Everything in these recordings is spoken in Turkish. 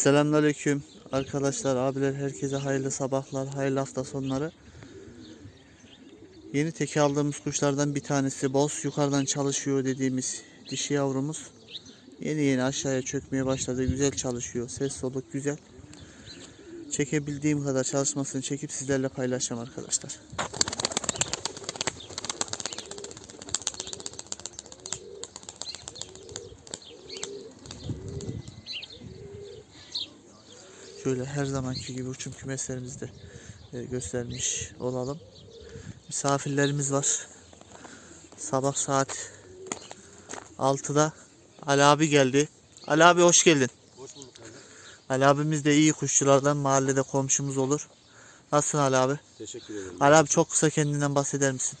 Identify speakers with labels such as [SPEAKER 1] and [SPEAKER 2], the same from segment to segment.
[SPEAKER 1] Selamünaleyküm arkadaşlar, abiler, herkese hayırlı sabahlar, hayırlı hafta sonları. Yeni teke aldığımız kuşlardan bir tanesi boz, yukarıdan çalışıyor dediğimiz dişi yavrumuz. Yeni aşağıya çökmeye başladı, güzel çalışıyor, ses soluk güzel. Çekebildiğim kadar çalışmasını çekip sizlerle paylaşacağım arkadaşlar. Şöyle her zamanki gibi uçum kümeslerimizde göstermiş olalım. Misafirlerimiz var. Sabah saat 6'da Ali abi geldi. Ali abi hoş geldin.
[SPEAKER 2] Hoş bulduk abi.
[SPEAKER 1] Ali abimiz de iyi kuşçulardan, mahallede komşumuz olur. Nasılsın Ali abi?
[SPEAKER 2] Teşekkür ederim.
[SPEAKER 1] Ali abi çok kısa kendinden bahseder misin?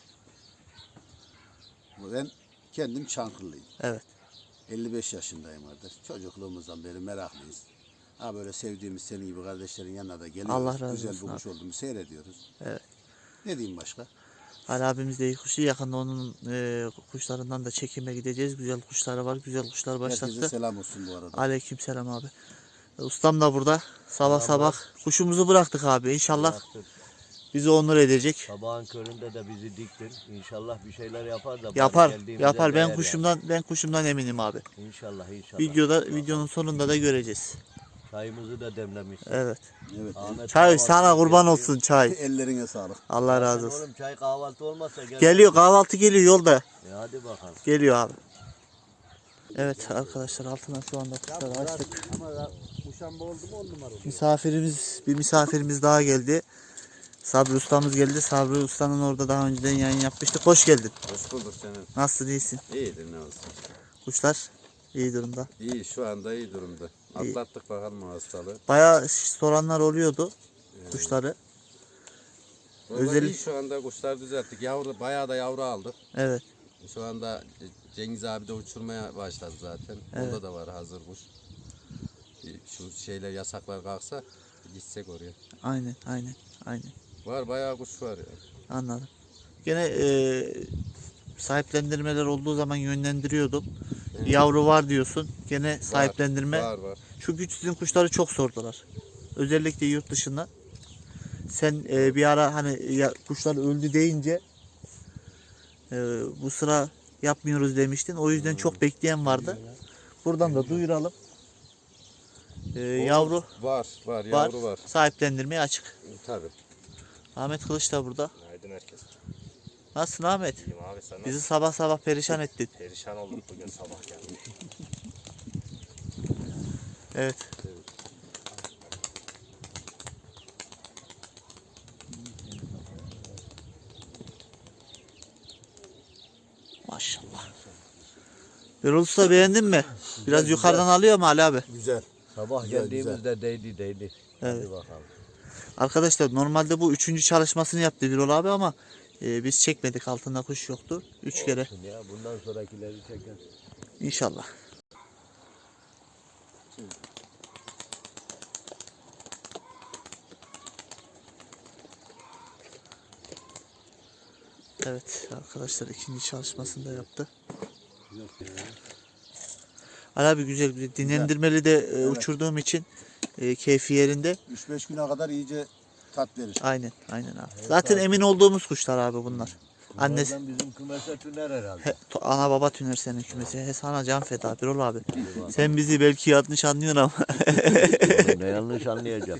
[SPEAKER 2] Ben kendim Çankırılıyım.
[SPEAKER 1] Evet.
[SPEAKER 2] 55 yaşındayım artık. Çocukluğumuzdan beri meraklıyız. Ha böyle sevdiğimiz senin gibi kardeşlerin yanına da geliyoruz.
[SPEAKER 1] Allah razı
[SPEAKER 2] Güzel
[SPEAKER 1] olsun
[SPEAKER 2] bir kuş
[SPEAKER 1] abi.
[SPEAKER 2] olduğunu seyrediyoruz.
[SPEAKER 1] Evet.
[SPEAKER 2] Ne diyeyim başka?
[SPEAKER 1] Ali abimiz de iyi kuşçu. Yakında onun kuşlarından da çekime gideceğiz. Güzel kuşları var. Güzel kuşlar başlattı.
[SPEAKER 2] Herkese selam olsun bu arada.
[SPEAKER 1] Aleykümselam abi. Ustam da burada. Sabah kuşumuzu bıraktık abi. İnşallah bizi onur edecek.
[SPEAKER 3] Sabahın köründe de bizi diktin. İnşallah bir şeyler yapar da.
[SPEAKER 1] Yapar. Ben kuşumdan eminim abi.
[SPEAKER 3] İnşallah.
[SPEAKER 1] Videonun sonunda da göreceğiz.
[SPEAKER 3] Çayımızı da demlemişsin.
[SPEAKER 1] Evet.
[SPEAKER 2] Evet.
[SPEAKER 3] Ahmet
[SPEAKER 1] Çay
[SPEAKER 3] kahvaltı
[SPEAKER 1] sana kurban
[SPEAKER 3] yapıyor.
[SPEAKER 1] olsun çay.
[SPEAKER 2] Ellerine sağlık.
[SPEAKER 1] Allah razı olsun.
[SPEAKER 3] Oğlum çay kahvaltı olmazsa gel.
[SPEAKER 1] Geliyor, kahvaltı geliyor yolda.
[SPEAKER 3] Hadi bakalım.
[SPEAKER 1] Geliyor abi. Evet arkadaşlar, altından şu anda kuşları açtık.
[SPEAKER 2] Ama muşamba oldu mu 10 numara oldu.
[SPEAKER 1] Bir misafirimiz daha geldi. Sabri ustamız geldi. Sabri ustanın orada daha önceden yayın yapmıştık. Hoş geldin.
[SPEAKER 4] Hoş bulduk senin.
[SPEAKER 1] Nasılsın, iyisin?
[SPEAKER 4] İyidir ne olsun.
[SPEAKER 1] Kuşlar iyi durumda.
[SPEAKER 4] İyi şu anda iyi durumda. Atlattık bakalım o hastalığı.
[SPEAKER 1] Bayağı soranlar oluyordu kuşları.
[SPEAKER 4] Özellikle iyi şu anda kuşlar düzelttik. Bayağı da yavru aldık.
[SPEAKER 1] Evet.
[SPEAKER 4] Şu anda Cengiz abi de uçurmaya başladı zaten.
[SPEAKER 1] Evet.
[SPEAKER 4] Onda da var hazır kuş. Şu şeyler yasaklar kalksa gitsek oraya.
[SPEAKER 1] Aynen.
[SPEAKER 4] Var bayağı kuş var ya.
[SPEAKER 1] Anladım. Gene sahiplendirmeler olduğu zaman yönlendiriyordum. Yavru var diyorsun. Gene sahiplendirme.
[SPEAKER 4] Var.
[SPEAKER 1] Çünkü sizin kuşları çok sordular. Özellikle yurt dışında. Sen bir ara hani kuşlar öldü deyince bu sıra yapmıyoruz demiştin. O yüzden çok bekleyen vardı. Buradan da duyuralım. Yavru
[SPEAKER 4] Var yavru var.
[SPEAKER 1] Sahiplendirmeye açık.
[SPEAKER 4] Tabii.
[SPEAKER 1] Ahmet Kılıç da burada.
[SPEAKER 5] Günaydın herkes.
[SPEAKER 1] Nasılsın Ahmet?
[SPEAKER 5] İyiyim abi, sen
[SPEAKER 1] Bizi sabah perişan ettin.
[SPEAKER 5] perişan olduk bugün sabah geldim.
[SPEAKER 1] Evet. Maşallah. Birol Usta, beğendin mi? Biraz yukarıdan alıyor mu Ali abi?
[SPEAKER 2] Güzel.
[SPEAKER 3] Sabah
[SPEAKER 2] Güzel,
[SPEAKER 3] geldiğimizde değdi.
[SPEAKER 1] Evet.
[SPEAKER 3] Hadi bakalım.
[SPEAKER 1] Arkadaşlar normalde bu 3. çalışmasını yaptı Birol abi ama biz çekmedik, altında kuş yoktu. 3 kere
[SPEAKER 3] Olsun ya, bundan sonrakileri çeker.
[SPEAKER 1] inşallah. Evet arkadaşlar, 2. çalışmasını da yaptı. Ali abi güzel dinlendirmeli de uçurduğum için keyfi yerinde.
[SPEAKER 2] 3-5 güne kadar iyice tat verir.
[SPEAKER 1] Aynen abi. Zaten emin olduğumuz kuşlar abi bunlar. Annesi
[SPEAKER 3] Bunlardan bizim kümese tüner herhalde.
[SPEAKER 1] ana baba tüner senin kümesi. He, sana can feda Birol abi. Sen bizi belki yanlış anlıyorsun ama.
[SPEAKER 3] Ne yanlış anlayacağım.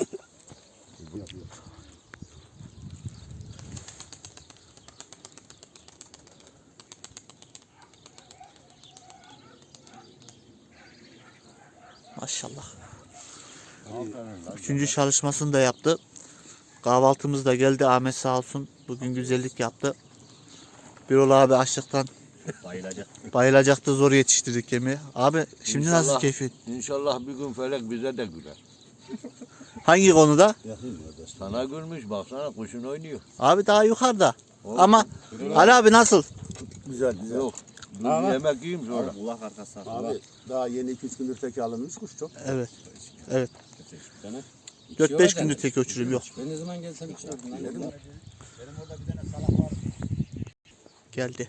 [SPEAKER 1] Maşallah.
[SPEAKER 3] Aferin lan.
[SPEAKER 1] 3. çalışmasını da yaptı. Kahvaltımız da geldi. Ahmet sağ olsun. Bugün güzellik yaptı. Birol abi açlıktan
[SPEAKER 5] Bayılacak.
[SPEAKER 1] bayılacaktı. Zor yetiştirdik yemeği. Abi şimdi nasıl
[SPEAKER 3] İnşallah.
[SPEAKER 1] keyfin?
[SPEAKER 3] İnşallah bir gün felek bize de güler.
[SPEAKER 1] Hangi konuda?
[SPEAKER 2] Yakayım kardeş.
[SPEAKER 3] Sana gülmüş, baksana kuşun oynuyor.
[SPEAKER 1] Abi daha yukarıda. Ama Ali abi nasıl?
[SPEAKER 2] Güzel.
[SPEAKER 3] Yok. Dur bir yemek yiyeyim sonra.
[SPEAKER 5] Kulak arkası.
[SPEAKER 2] Abi daha yeni 2-3 gündür teke alınmış kuş çok.
[SPEAKER 1] Evet.
[SPEAKER 5] Sana.
[SPEAKER 1] 4-5 gündür tek uçurum yok.
[SPEAKER 5] Ben ne zaman gelsem içiyordum.
[SPEAKER 1] Geldi.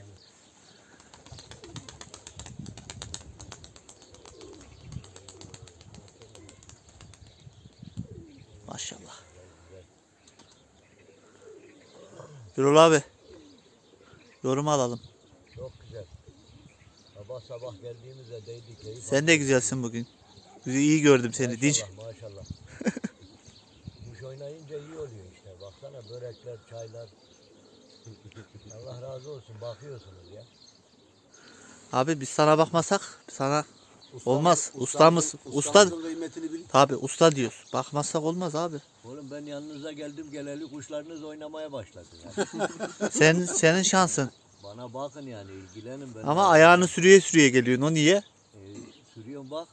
[SPEAKER 1] Birol abi. Yorum alalım.
[SPEAKER 3] Çok güzel. Sabah sabah geldiğimizde değdi keyif.
[SPEAKER 1] Sen de güzelsin bugün. İyi gördüm seni. Dinç.
[SPEAKER 3] Maşallah maşallah. Kuş oynayınca iyi oluyor işte. Baksana börekler, çaylar. Allah razı olsun. Bakıyorsunuz ya.
[SPEAKER 1] Abi biz sana bakmasak sana olmaz. Ustamız. Usta.
[SPEAKER 2] Ustamızın kıymetini bil.
[SPEAKER 1] Tabi usta diyoruz. Bakmazsak olmaz abi.
[SPEAKER 3] Oğlum ben yanınıza geldim geleli kuşlarınız oynamaya başladı yani.
[SPEAKER 1] Senin şansın.
[SPEAKER 3] Bana bakın yani ilgilenin. Ben
[SPEAKER 1] Ama ayağını sürüye sürüye geliyorsun. O niye?
[SPEAKER 3] Sürüyorum bak.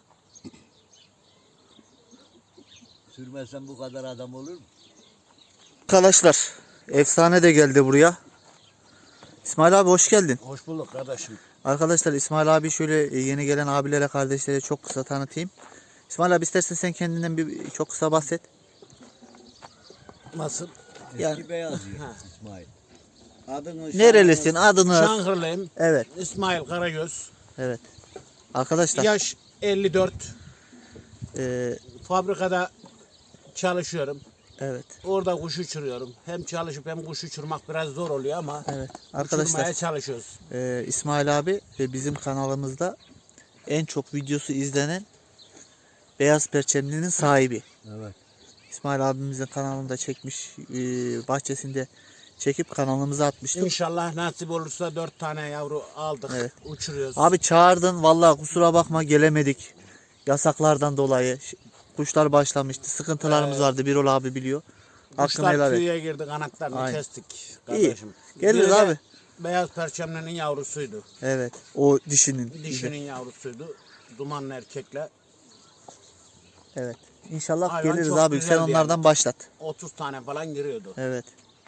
[SPEAKER 3] Sürmezsem bu kadar adam olur mu?
[SPEAKER 1] Arkadaşlar efsane de geldi buraya. İsmail abi hoş geldin.
[SPEAKER 5] Hoş bulduk kardeşim.
[SPEAKER 1] Arkadaşlar İsmail abi şöyle yeni gelen abilere kardeşlere çok kısa tanıtayım. İsmail abi istersen sen kendinden bir çok kısa bahset.
[SPEAKER 5] Nasıl?
[SPEAKER 1] Yani-
[SPEAKER 3] Eski beyaz yiyor İsmail.
[SPEAKER 2] Adını
[SPEAKER 1] Nerelisin? Adını.
[SPEAKER 5] Şanghırlıyım.
[SPEAKER 1] Evet.
[SPEAKER 5] İsmail Karagöz.
[SPEAKER 1] Evet. Arkadaşlar
[SPEAKER 5] Yaş 54.
[SPEAKER 1] e,
[SPEAKER 5] Fabrikada çalışıyorum.
[SPEAKER 1] evet.
[SPEAKER 5] Orada kuş uçuruyorum. Hem çalışıp hem kuş uçurmak biraz zor oluyor ama
[SPEAKER 1] Evet.
[SPEAKER 5] uçurmaya
[SPEAKER 1] Arkadaşlar
[SPEAKER 5] çalışıyoruz.
[SPEAKER 1] İsmail abi bizim kanalımızda en çok videosu izlenen beyaz perçemlinin sahibi.
[SPEAKER 3] Evet.
[SPEAKER 1] İsmail abimizin kanalında çekmiş, bahçesinde çekip kanalımıza atmıştık.
[SPEAKER 5] İnşallah nasip olursa 4 tane yavru aldık.
[SPEAKER 1] Evet.
[SPEAKER 5] Uçuruyoruz.
[SPEAKER 1] Abi çağırdın vallahi kusura bakma gelemedik. Yasaklardan dolayı kuşlar başlamıştı. Sıkıntılarımız vardı. Birol abi biliyor. Hakkını
[SPEAKER 5] Kuşlar
[SPEAKER 1] helal et.
[SPEAKER 5] tüyeye girdi, kanatlarını
[SPEAKER 1] Aynen.
[SPEAKER 5] kestik kardeşim.
[SPEAKER 1] Geliriz
[SPEAKER 5] Biri de
[SPEAKER 1] abi.
[SPEAKER 5] Beyaz perçemlenin yavrusuydu.
[SPEAKER 1] Evet. O dişinin.
[SPEAKER 5] Dişinin yavrusuydu. Dumanlı erkekle
[SPEAKER 1] Evet. İnşallah
[SPEAKER 5] Hayvan
[SPEAKER 1] geliriz
[SPEAKER 5] çok
[SPEAKER 1] abi. Sen
[SPEAKER 5] güzeldi
[SPEAKER 1] onlardan başlat.
[SPEAKER 5] 30 tane falan giriyordu.
[SPEAKER 1] Evet.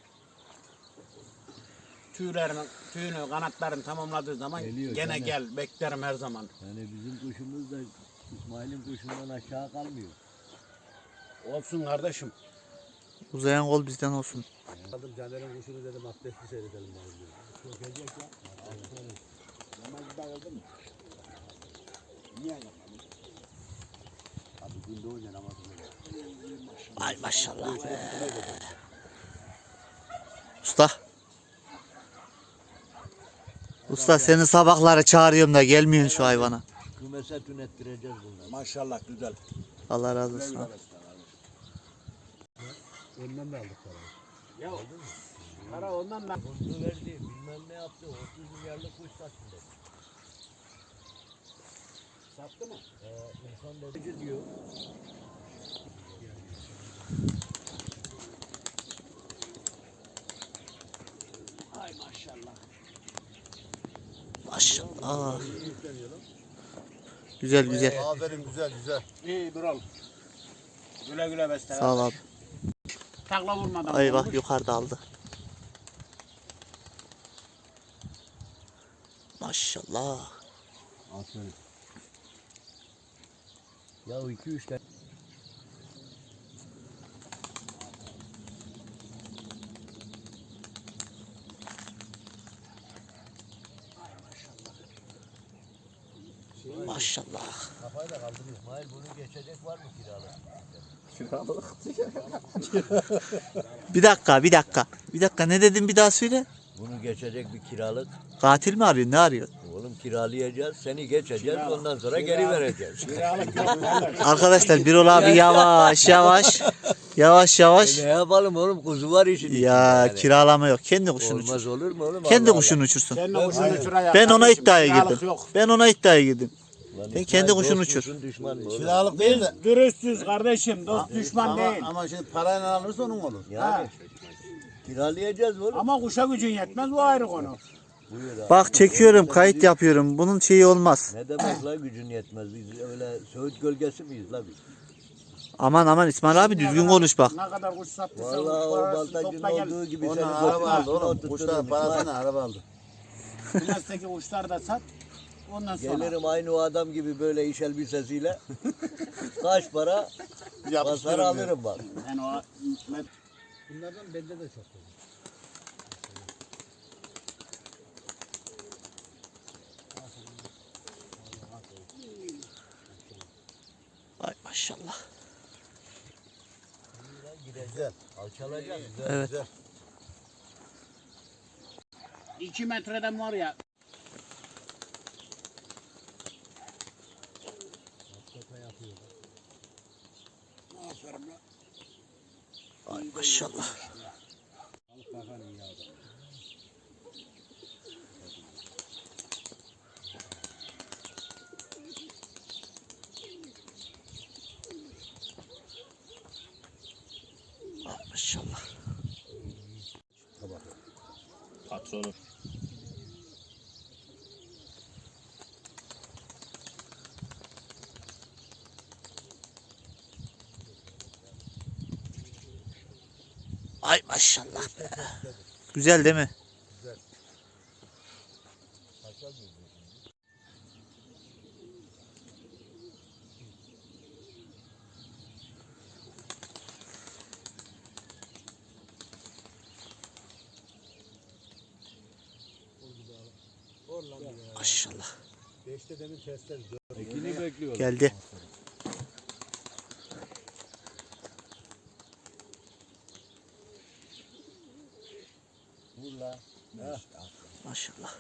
[SPEAKER 5] Tüyünü, kanatlarını tamamladığı zaman
[SPEAKER 3] Geliyor,
[SPEAKER 5] gene
[SPEAKER 3] gene.
[SPEAKER 5] gel, beklerim her zaman.
[SPEAKER 3] Yani bizim kuşumuz da İsmail'in kuşundan aşağı kalmıyor.
[SPEAKER 5] Olsun kardeşim.
[SPEAKER 1] Uzayan kol bizden olsun.
[SPEAKER 2] Aldım Caner'in kuşunu dedim abdestli seyredelim bari. Çok gelecek ya. Namazı da oldu mu? Niye yapmadın? Abi günde oynayan namazı böyle.
[SPEAKER 1] Ay maşallah be. Usta. Usta seni sabahları çağırıyorum da gelmiyorsun şu hayvana.
[SPEAKER 3] Kümese tünettireceğiz bunları.
[SPEAKER 5] Maşallah güzel.
[SPEAKER 1] Allah razı olsun abi.
[SPEAKER 2] Ondan da aldık parayı.
[SPEAKER 5] Ya para ondan da
[SPEAKER 3] Bunu verdi, bilmem ne yaptı, 30 milyarlık kuş sattı dedi.
[SPEAKER 5] sattı mı?
[SPEAKER 3] İnsan dedi diyor.
[SPEAKER 5] Ay maşallah.
[SPEAKER 1] Maşallah. Güzel güzel.
[SPEAKER 2] Aferin güzel güzel.
[SPEAKER 5] İyi Birol. Güle güle besle.
[SPEAKER 1] Sağ ol abi.
[SPEAKER 5] Takla vurmadan.
[SPEAKER 1] Ay bak
[SPEAKER 5] olmuş.
[SPEAKER 1] yukarıda aldı. Maşallah.
[SPEAKER 3] Aferin. Ya 2-3 tane.
[SPEAKER 1] Maşallah.
[SPEAKER 3] Kafayı da kaldırıyor. İsmail bunu geçecek var mı kiralık?
[SPEAKER 1] Bir dakika bir dakika. Bir dakika ne dedin bir daha söyle.
[SPEAKER 3] Bunu geçecek bir kiralık.
[SPEAKER 1] Katil mi arıyor ne arıyor?
[SPEAKER 3] Oğlum kiralayacağız, seni geçeceğiz, ondan sonra geri vereceğiz.
[SPEAKER 5] Kiralık yok kardeş.
[SPEAKER 1] Arkadaşlar Birol abi yavaş yavaş. Yavaş yavaş.
[SPEAKER 3] Ne yapalım oğlum, kuzu var işin içinde
[SPEAKER 1] Ya
[SPEAKER 3] yani.
[SPEAKER 1] kiralama yok. Kendi kuşunu uçur.
[SPEAKER 3] Olmaz olur mu oğlum?
[SPEAKER 1] Kendi
[SPEAKER 3] Allah
[SPEAKER 1] kuşunu uçursun.
[SPEAKER 5] Sen de kuşunu uçuraya.
[SPEAKER 1] Ben ona
[SPEAKER 5] kardeşim,
[SPEAKER 1] iddiaya
[SPEAKER 5] kiralık
[SPEAKER 1] girdim.
[SPEAKER 5] Yok.
[SPEAKER 1] Ben ona iddiaya girdim.
[SPEAKER 3] Allah. Lan
[SPEAKER 1] Sen
[SPEAKER 3] İsmail,
[SPEAKER 1] kendi kuşunu
[SPEAKER 3] dost
[SPEAKER 1] uçur.
[SPEAKER 3] musun, düşman mı oğlum?
[SPEAKER 2] Kiralık değil
[SPEAKER 5] Biz
[SPEAKER 2] de.
[SPEAKER 5] dürüstüz kardeşim. Dost düşman değil.
[SPEAKER 2] Ama şimdi parayla alırsa onun olur.
[SPEAKER 3] Yani kiralayacağız oğlum.
[SPEAKER 5] Ama kuşa gücün yetmez bu ayrı konu.
[SPEAKER 3] Buyur abi.
[SPEAKER 1] Bak çekiyorum kayıt yapıyorum. Bunun şeyi olmaz.
[SPEAKER 3] Ne demek la gücün yetmez, biz öyle Söğüt gölgesi miyiz la biz?
[SPEAKER 1] Aman aman İsmail abi düzgün konuş bak.
[SPEAKER 5] Ne kadar kuş sattıysa
[SPEAKER 3] Vallahi o
[SPEAKER 5] parasını
[SPEAKER 3] baltacının
[SPEAKER 5] topla gel.
[SPEAKER 3] olduğu gibi
[SPEAKER 2] Ona
[SPEAKER 3] seni
[SPEAKER 2] araba aldı
[SPEAKER 3] götürürsün,
[SPEAKER 2] oğlum.
[SPEAKER 3] oturturum
[SPEAKER 2] Kuşların
[SPEAKER 3] İsmail.
[SPEAKER 2] parasını araba aldı.
[SPEAKER 5] Kümesteki kuşlar da sat. Ondan sonra.
[SPEAKER 3] Gelirim aynı o adam gibi böyle iş elbisesiyle. Kaç para basar alırım bak.
[SPEAKER 5] Yani o
[SPEAKER 2] Bunlardan bende de çok var.
[SPEAKER 1] Ay maşallah.
[SPEAKER 2] Güzel.
[SPEAKER 3] Alçalacak.
[SPEAKER 1] Evet.
[SPEAKER 2] Güzel.
[SPEAKER 5] 2 metreden var ya.
[SPEAKER 2] Aferin lan.
[SPEAKER 1] Ay maşallah.
[SPEAKER 2] Bakalım ya.
[SPEAKER 1] Ay maşallah.
[SPEAKER 5] Patronum.
[SPEAKER 1] Ay maşallah be. Güzel değil mi? Maşallah.
[SPEAKER 2] 5'te demin testler.
[SPEAKER 4] Ekini bekliyorum.
[SPEAKER 1] Geldi.
[SPEAKER 2] Vur la.
[SPEAKER 1] Maşallah.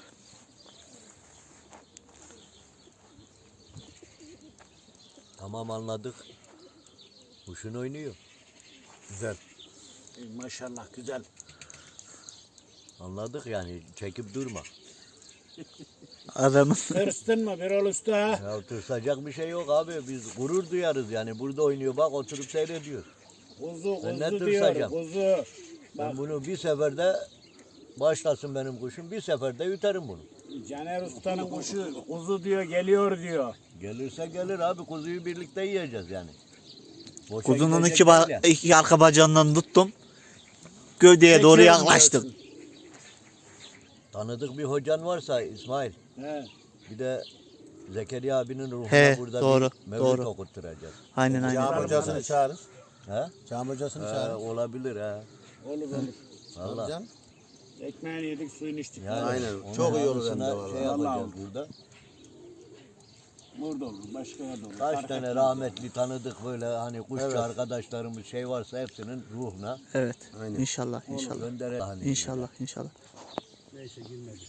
[SPEAKER 3] Tamam anladık. Kuşun oynuyor.
[SPEAKER 2] Güzel.
[SPEAKER 5] Maşallah güzel.
[SPEAKER 3] Anladık yani çekip durma.
[SPEAKER 1] Adamın
[SPEAKER 5] Tırstın mı Birol Usta?
[SPEAKER 3] Ya tırsacak bir şey yok abi. Biz gurur duyarız yani. Burada oynuyor bak oturup seyrediyor.
[SPEAKER 5] Kuzu
[SPEAKER 3] Ben ne
[SPEAKER 5] kuzu diyor.
[SPEAKER 3] tırsacağım?
[SPEAKER 5] Kuzu.
[SPEAKER 3] Ben bunu bir seferde başlasın benim kuşum. Bir seferde yutarım bunu.
[SPEAKER 5] Caner Usta'nın kuşu kuzu diyor geliyor diyor.
[SPEAKER 3] Gelirse gelir abi. Kuzuyu birlikte yiyeceğiz yani. Boşa
[SPEAKER 1] kuzunun
[SPEAKER 3] gidecek
[SPEAKER 1] iki,
[SPEAKER 3] değil yani.
[SPEAKER 1] iki arka bacağından tuttum. Gövdeye doğru
[SPEAKER 5] Çekiyorum
[SPEAKER 1] yaklaştım.
[SPEAKER 5] diyorsun.
[SPEAKER 3] Tanıdık bir hocan varsa İsmail.
[SPEAKER 5] He.
[SPEAKER 3] Bir de Zekeriya abinin ruhuna
[SPEAKER 1] He,
[SPEAKER 3] burada
[SPEAKER 1] doğru,
[SPEAKER 3] bir mevlüt
[SPEAKER 1] doğru.
[SPEAKER 3] okutturacağız.
[SPEAKER 1] Aynen aynen.
[SPEAKER 2] Cami hocasını çağırır.
[SPEAKER 3] He?
[SPEAKER 2] Cami hocasını
[SPEAKER 3] He,
[SPEAKER 2] çağırır.
[SPEAKER 3] olabilir he.
[SPEAKER 5] Olur olur.
[SPEAKER 3] Valla.
[SPEAKER 2] Hocam.
[SPEAKER 5] Ekmeğini yedik suyunu içtik.
[SPEAKER 3] Yani
[SPEAKER 2] Aynen,
[SPEAKER 3] onun
[SPEAKER 2] çok iyi olur hem de
[SPEAKER 3] anısına
[SPEAKER 2] vallahi.
[SPEAKER 3] Şey yapacağız
[SPEAKER 5] Vallahi.
[SPEAKER 3] burada.
[SPEAKER 5] Burada olur. Başka yerde olur.
[SPEAKER 3] Kaç
[SPEAKER 5] Fark
[SPEAKER 3] tane
[SPEAKER 5] etmez.
[SPEAKER 3] rahmetli tanıdık böyle hani kuşçu
[SPEAKER 2] Evet.
[SPEAKER 3] arkadaşlarımız şey varsa hepsinin ruhuna
[SPEAKER 1] Evet.
[SPEAKER 2] Aynen.
[SPEAKER 1] İnşallah inşallah.
[SPEAKER 3] gönderelim. Hani
[SPEAKER 1] İnşallah inşallah.
[SPEAKER 2] Neyse girmedik.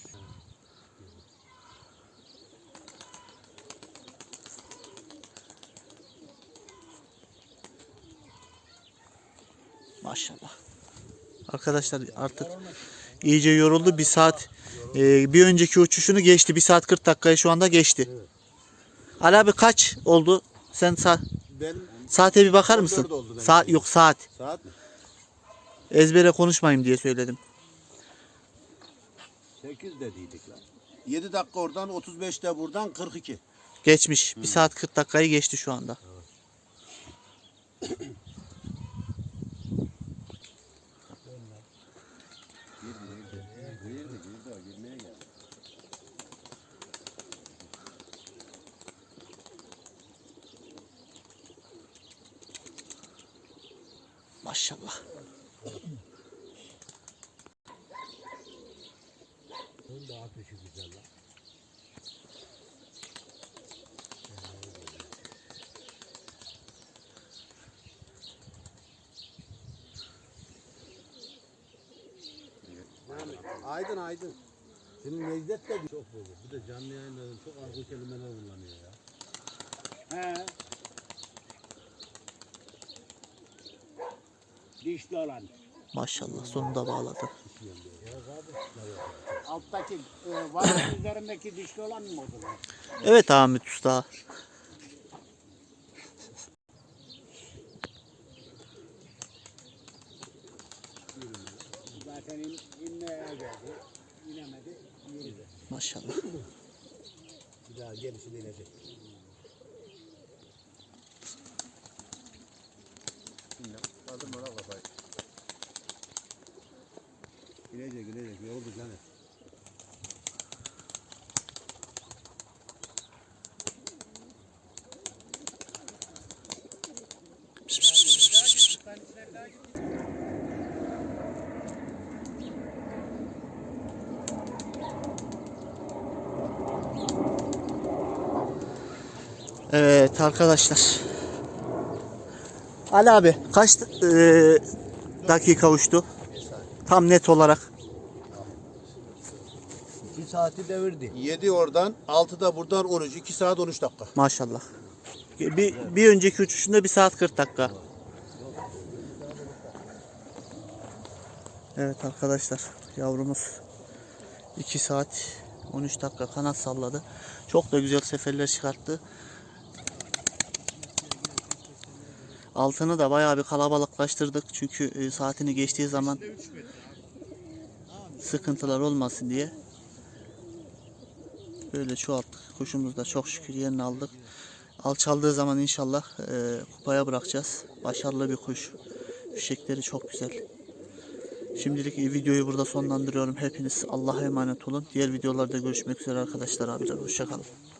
[SPEAKER 1] Maşallah. Arkadaşlar artık iyice yoruldu. Bir saat bir önceki uçuşunu geçti. 1 saat 40 dakikayı şu anda geçti. Ali abi kaç oldu? Sen
[SPEAKER 2] Benim
[SPEAKER 1] saate bir bakar mısın?
[SPEAKER 2] 14 oldu benim.
[SPEAKER 1] Saat yok saat.
[SPEAKER 2] saat mi?
[SPEAKER 1] Ezbere konuşmayayım diye söyledim.
[SPEAKER 3] 8 dediydik lan.
[SPEAKER 2] 7 dakika oradan 35'te buradan 42.
[SPEAKER 1] Geçmiş. 1 saat 40 dakikayı geçti şu anda. Maşallah.
[SPEAKER 3] Bunun da ateşi güzel lan.
[SPEAKER 2] Aydın aydın. Şimdi Necdet de çok bozuk. Bir de canlı yayınlarda çok argo kelimeler kullanıyor ya.
[SPEAKER 5] He. Dişli olan.
[SPEAKER 1] Maşallah sonunda bağladı.
[SPEAKER 5] Alttaki varanın üzerindeki dişli olan mı oldu?
[SPEAKER 1] Evet Ahmet Usta.
[SPEAKER 5] Zaten inmeye geldi. İnemedi. Yürüdü.
[SPEAKER 1] Maşallah.
[SPEAKER 2] Bir daha gerisi de inecek. Aldım ona kafayı. İnecek inecek. Yoruldu canım.
[SPEAKER 1] Evet arkadaşlar. Ali abi kaç dakika uçtu? Tam net olarak.
[SPEAKER 3] 2 saati devirdi.
[SPEAKER 2] 7 oradan, 6'da buradan 13. 2 saat 13 dakika.
[SPEAKER 1] Maşallah. Bir önceki uçuşunda 1 saat 40 dakika. Evet arkadaşlar, yavrumuz 2 saat 13 dakika kanat salladı. Çok da güzel seferler çıkarttı. Altını da bayağı bir kalabalıklaştırdık. Çünkü saatini geçtiği zaman sıkıntılar olmasın diye. Böyle çoğalttık. Kuşumuz da çok şükür yerini aldık. Alçaldığı zaman inşallah kupaya bırakacağız. Başarılı bir kuş. Fişekleri çok güzel. Şimdilik videoyu burada sonlandırıyorum. Hepiniz Allah'a emanet olun. Diğer videolarda görüşmek üzere arkadaşlar, abiler. Hoşça kalın.